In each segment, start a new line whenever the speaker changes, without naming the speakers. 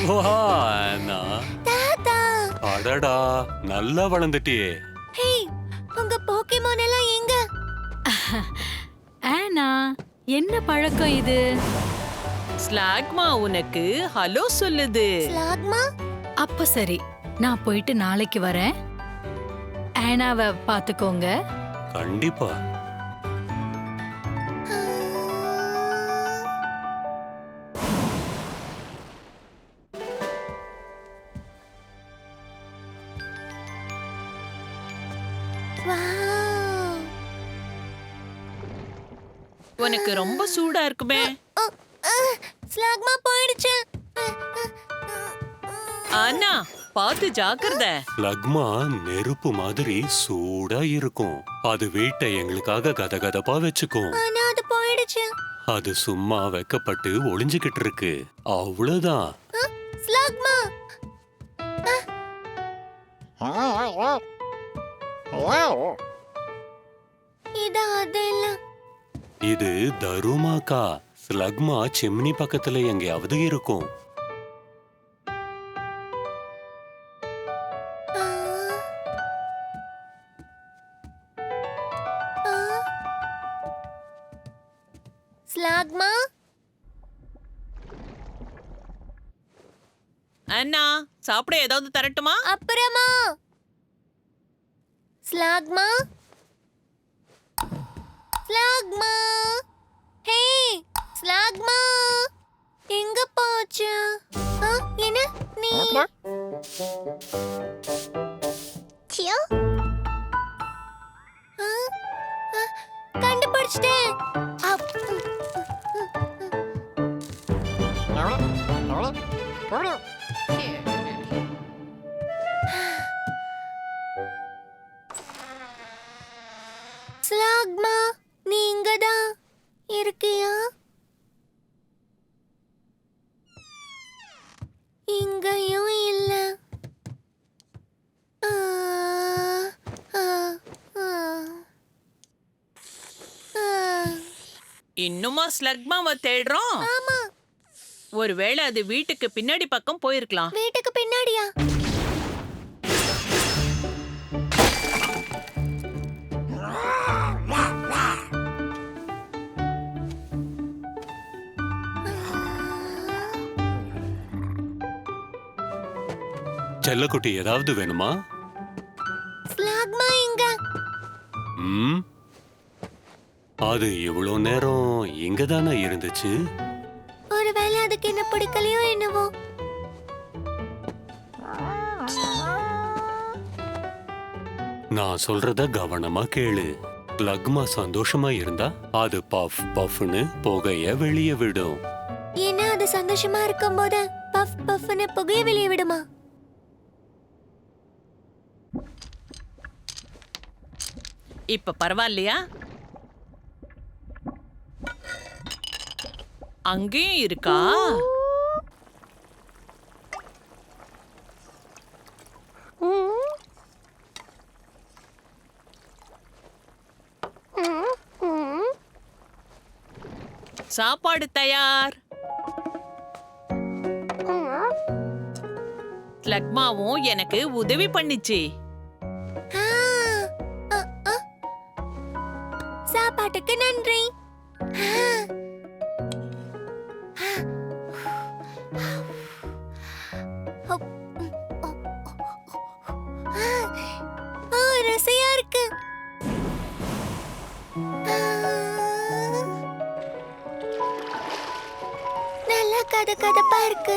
வா ஆனா.
தாத்தா.
அடடா, நல்லா வளர்ந்துட்டியே.
ஹே, உங்க போக்கேமான் எல்லாம் எங்க?
ஆனா என்ன பழக்கம் இது?
ஸ்லாக்மா உனக்கு ஹலோ சொல்லுது.
ஸ்லாக்மா?
அப்ப சரி, நான் போயிட்டு நாளைக்கு வரேன். ஆனாவை பாத்துக்கோங்க.
கண்டிப்பா.
வாவ்.
உனக்கு ரொம்ப சூடா இருக்குமே.
அ, அ, ஸ்லாக்மா போயிடுச்சு.
அண்ணா பாத்து ஜாக்கிரத.
லக்மா நெருப்பு மாதிரி சூடா இருக்கும். அது வீட்டை எங்களுக்காக கதகதப்பா வச்சுக்கும்.
ஆனா அது போயிடுச்சு.
அது சும்மா வெக்கப்பட்டு ஒளிஞ்சுகிட்டு இருக்கு. அவ்வளவுதான்.
ஸ்லாக்மா. இது அதெல்ல.
இது தருமாக்கா. ஸ்லக்மா சிம்னி பக்கத்துல எங்கேயாவது இருக்கும்.
ஆ. ஆ. ஸ்லாக்மா.
அண்ணா சாப்பிட ஏதாவது தரட்டுமா?
அப்புறமா. ஸ்லாக்மா. ஸ்லாக்மா. ஹே, ஸ்லாக்மா. எங்க போச்சு? என்ன நீ? சியோ. கண்டுபிடிச்சிட்டேன். அப். ஸ்லாக்மா, நீ இங்கதான் இருக்கியா? இங்கேயும் இல்ல. ஆ, ஆ, ஆ. ஆ.
இன்னுமா ஸ்லக்மாவை தேடுறோம்?
ஆமா,
ஒருவேளை அது வீட்டுக்கு பின்னாடி பக்கம் போயிருக்கலாம்.
வீட்டுக்கு பின்னாடியா?
செல்லக்குட்டி ஏதாவது வேணுமா?
ஸ்லாக்மா எங்க?
ம், அது இவ்வளோ நேரம் இங்கதானே இருந்துச்சு.
ஒருவேளை அதுக்கு என்ன பிடிக்கலையோ என்னவோ.
நான் சொல்றத கவனமா கேளு. லக்மா சந்தோஷமா இருந்தா அது பஃப் பஃப்னு புகைய வெளியே விடும்.
ஏன்னா அது சந்தோஷமா இருக்கும்போது பஃப் பஃப்னு புகைய வெளியே விடுமா?
இப்ப பரவாயில்லையா? அங்கேயும் இருக்கா? சாப்பாடு தயார். லக்மாவும் எனக்கு உதவி பண்ணிச்சு.
ஆ, அ, அ. சாப்பாட்டுக்கு நன்றி. ஆ. ருசியா இருக்கு. நல்லா கதகதப்பா இருக்கு.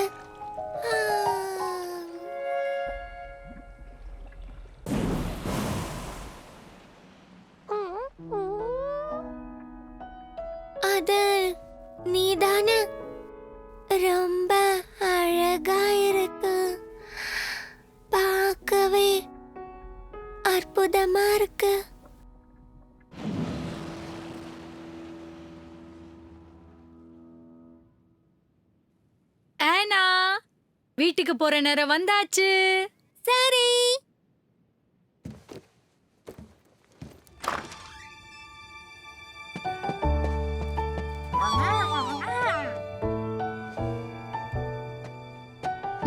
அது நீதானே? ரொம்ப அழகா இருக்கு. பார்க்கவே அற்புதமா இருக்கு.
ஆனா வீட்டுக்கு போற நேரம் வந்தாச்சு.
சரி.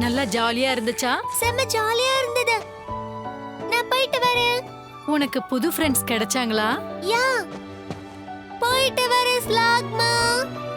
நல்லா ஜாலியா இருந்துச்சா?
செம்ம ஜாலியா இருந்தது. நான் போயிட்டு வரேன்.
உனக்கு புது ஃப்ரெண்ட்ஸ் கிடைச்சாங்களா?
யா, போயிட்டு வரேன் ஸ்லாக்மா.